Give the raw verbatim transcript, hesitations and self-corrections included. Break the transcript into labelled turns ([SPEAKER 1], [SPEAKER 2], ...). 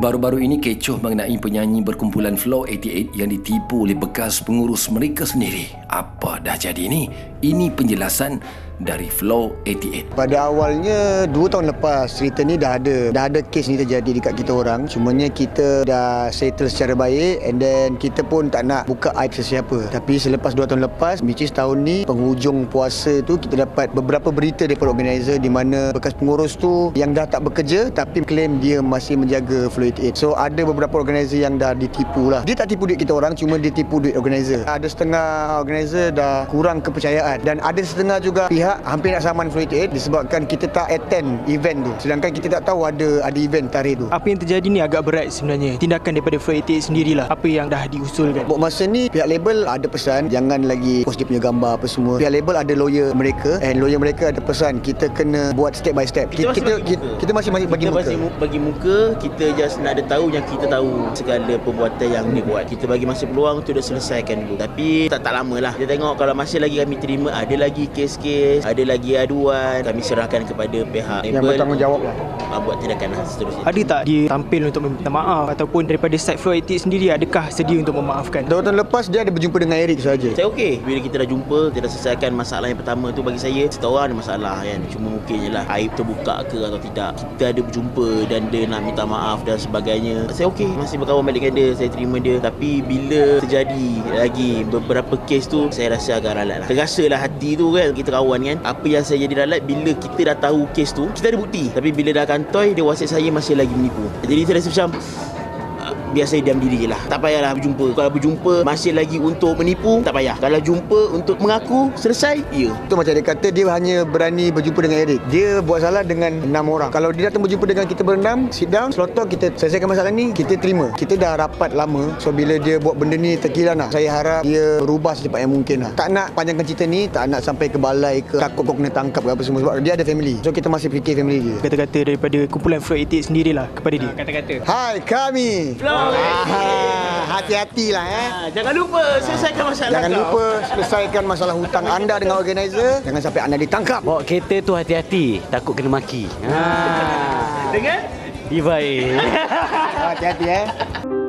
[SPEAKER 1] Baru-baru ini kecoh mengenai penyanyi berkumpulan Flow lapan puluh lapan yang ditipu oleh bekas pengurus mereka sendiri. Apa dah jadi ni? Ini penjelasan dari Flow lapan puluh lapan.
[SPEAKER 2] Pada awalnya dua tahun lepas cerita ni dah ada dah ada kes ni terjadi dekat kita orang. Cumanya kita dah settle secara baik, and then kita pun tak nak buka aib sesiapa. Tapi selepas dua tahun lepas, which is tahun ni penghujung puasa tu, kita dapat beberapa berita daripada organizer di mana bekas pengurus tu yang dah tak bekerja tapi claim dia masih menjaga Flow lapan puluh lapan. So ada beberapa organizer yang dah ditipu lah. Dia tak tipu duit kita orang, cuma dia tipu duit organizer. Ada setengah organizer dah kurang kepercayaan, dan ada setengah juga pihak hampir nak saman Flow lapan puluh lapan disebabkan kita tak attend event tu, sedangkan kita tak tahu ada ada event tarikh tu.
[SPEAKER 3] Apa yang terjadi ni agak berat sebenarnya. Tindakan daripada Flow lapan puluh lapan sendirilah apa yang dah diusulkan.
[SPEAKER 2] Buat masa ni pihak label ada pesan jangan lagi post dia punya gambar apa semua. Pihak label ada lawyer mereka, and lawyer mereka ada pesan kita kena buat step by step. Kita kita, kita, kita masih masih bagi
[SPEAKER 4] kita
[SPEAKER 2] muka.
[SPEAKER 4] Masih bagi muka, kita just nak ada tahu yang kita tahu segala perbuatan yang dia buat. Kita bagi masa peluang untuk dia selesaikan dulu. Tapi tak tak lama lah. Kita tengok kalau masih lagi kami terima ada lagi kes-kes, ada lagi aduan, kami serahkan kepada pihak
[SPEAKER 2] yang
[SPEAKER 4] label
[SPEAKER 2] bertanggungjawab lah.
[SPEAKER 4] Buat tindakan lah seterusnya.
[SPEAKER 3] Ada tak dia tampil untuk meminta maaf, ataupun daripada side Flow lapan puluh lapan sendiri adakah sedia untuk memaafkan?
[SPEAKER 2] Dua tahun lepas dia ada berjumpa dengan Eric saja.
[SPEAKER 4] Saya okey. Bila kita dah jumpa, kita dah selesaikan masalah yang pertama tu, bagi saya setiap orang ada masalah kan. Cuma mungkin je lah aib terbuka ke atau tidak. Kita ada berjumpa dan dia nak minta maaf dan sebagainya. Saya okey, masih berkawan balik dengan dia, saya terima dia. Tapi bila terjadi lagi beberapa kes tu, saya rasa agak ralat lah. Terasa lah hati tu kan, kita kawan kan. Apa yang saya jadi ralat bila kita dah tahu kes tu, kita ada bukti. Tapi bila dah kantoi, dia wasiat saya masih lagi menipu. Jadi saya rasa macam biar saya diam diri je lah. Tak payahlah berjumpa. Kalau berjumpa masih lagi untuk menipu, tak payah. Kalau jumpa untuk mengaku, selesai, ya.
[SPEAKER 2] Itu macam dia kata dia hanya berani berjumpa dengan Eric. Dia buat salah dengan enam orang. Kalau dia datang berjumpa dengan kita berenam, sit down, slot talk, kita selesaikan masalah ni, kita terima. Kita dah rapat lama. So bila dia buat benda ni terkilan lah. Saya harap dia berubah secepat yang mungkin lah. Tak nak panjangkan cerita ni, tak nak sampai ke balai ke takut kau kena tangkap ke apa semua. Sebab dia ada family. So kita masih fikir family dia.
[SPEAKER 3] Kata-kata daripada kumpulan Flow lapan puluh lapan sendirilah kepada dia.
[SPEAKER 4] Kata-kata.
[SPEAKER 2] Hai kami.
[SPEAKER 4] Flow.
[SPEAKER 2] Ah, hati-hatilah eh.
[SPEAKER 4] Ha, jangan lupa selesaikan masalah
[SPEAKER 2] Jangan
[SPEAKER 4] kau.
[SPEAKER 2] lupa selesaikan masalah hutang anda dengan organizer. Jangan sampai anda ditangkap.
[SPEAKER 5] Bawa kereta tu hati-hati, takut kena maki. Ha.
[SPEAKER 4] Dengan
[SPEAKER 5] Ibai.
[SPEAKER 2] Hati-hati eh.